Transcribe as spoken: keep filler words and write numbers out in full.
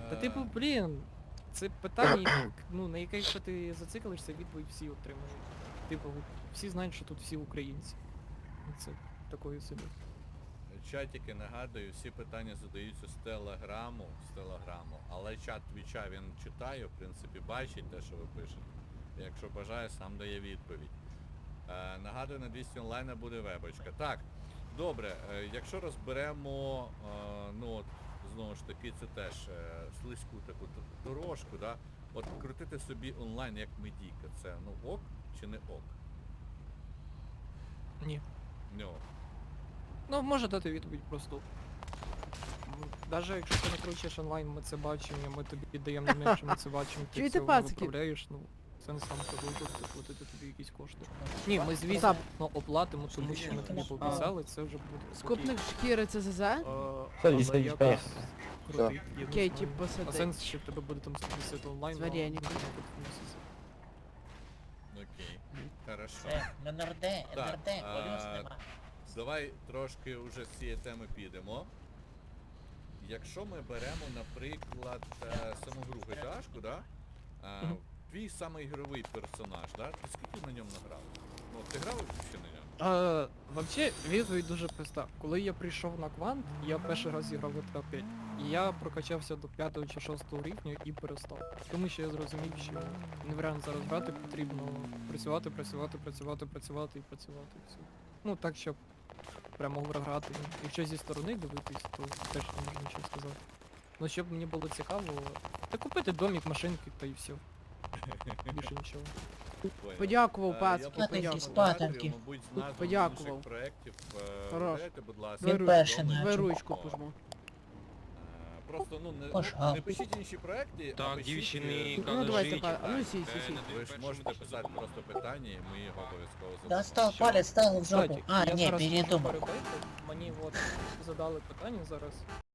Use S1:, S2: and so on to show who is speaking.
S1: Та типу, блін, це питання, ну, на яке якщо ти зациклишся, відповідь всі отримають. Типу, всі знають, що тут всі українці. Це такої собі.
S2: Чатики, нагадую, всі питання задаються з телеграму, з телеграму, але чат твіча він читає, в принципі, бачить те, що ви пишете. Якщо бажає, сам дає відповідь. Е, нагадую, на двісті онлайна буде вебочка. Так, добре, е, якщо розберемо, е, ну от, знову ж таки, це теж е, слизьку таку д- дорожку, да? От крутити собі онлайн як медійка, це ну ок чи не ок?
S1: Ні.
S2: Не ок.
S1: Ну, може дати відповідь просто. Навіть якщо ти не кручиш онлайн, ми це бачимо, ми тобі даємо на що ми це бачимо, ти
S3: Чуєте,
S1: це
S3: пацики?
S1: виправляєш, ну, сенс сам продовжувати платити тобі якісь кошти. Ні, ми звісно ну, оплатимо, тому що ми тобі пообіцяли, це вже буде.
S3: Скупник шкіри це ЗЗ?
S1: Е,
S4: Садись,
S1: але
S4: садись,
S1: якось
S4: поїхали.
S1: крутить, я не
S3: Окей,
S1: знаю.
S3: типу,
S1: А
S3: сади.
S1: сенс, що в тебе буде там сто п'ятдесят онлайн,
S3: З
S1: ну,
S3: вареником.
S1: ну, тут місяць.
S2: Окей, хорошо.
S5: Все, на НРД,
S2: Так,
S5: НРД,
S2: а,
S5: колес нема.
S2: Давай трошки вже з цієї теми підемо. Якщо ми беремо, наприклад, е, саму гру ГТАшку, да? Е,
S1: Мгм.
S2: твій самий ігровий персонаж, да? Ти скільки на ньому награв? Ну, ти грав ще на ньому?
S1: А, вообще, відповідь дуже проста. Коли я прийшов на квант, я перший раз зіграв в джі ті ей п'ять. І я прокачався до п'ятого чи шостого рівня і перестав. Тому що я зрозумів, що нереально зараз грати, потрібно працювати, працювати, працювати, працювати і працювати. І все. Ну так, щоб прямо грати. Якщо зі сторони дивитись, то теж не можу нічого сказати. Ну щоб мені було цікаво, та купити домик, машинки та і все. Більше нічого.
S2: Понял.
S3: Подякував,
S2: Е,
S3: пацки,
S2: я
S5: Спатеньки,
S2: подякував
S3: подякував.
S5: спатеньки.
S2: Нагадую, мабуть, з назв
S3: Подякував.
S2: інших проєктів. е,
S3: Хорош.
S2: Дайте, будь ласка,
S3: Він
S5: перший
S2: відомий.
S5: наче.
S3: Давай ручку
S2: О,
S3: пожму.
S2: е, Просто, ну, не,
S5: Пожалуйста.
S2: не пишіть інші проекти, а
S6: Так,
S2: пишіть,
S6: дівчини,
S2: е,
S3: Ну, давайте,
S6: кажіть,
S3: па- а ну,
S6: так,
S3: сі, сі,
S6: е,
S3: сі.
S6: на
S2: ви ж
S6: першому
S2: можете
S6: першу
S2: писати
S6: допомогу.
S2: просто питання, і ми його обов'язково задамо.
S5: Достал
S2: Що?
S5: палец, ставил в жопу.
S1: Кстати,
S5: А,
S1: я
S5: не,
S1: зараз можу
S5: передумал.
S1: перебити. Мені от задали питання зараз.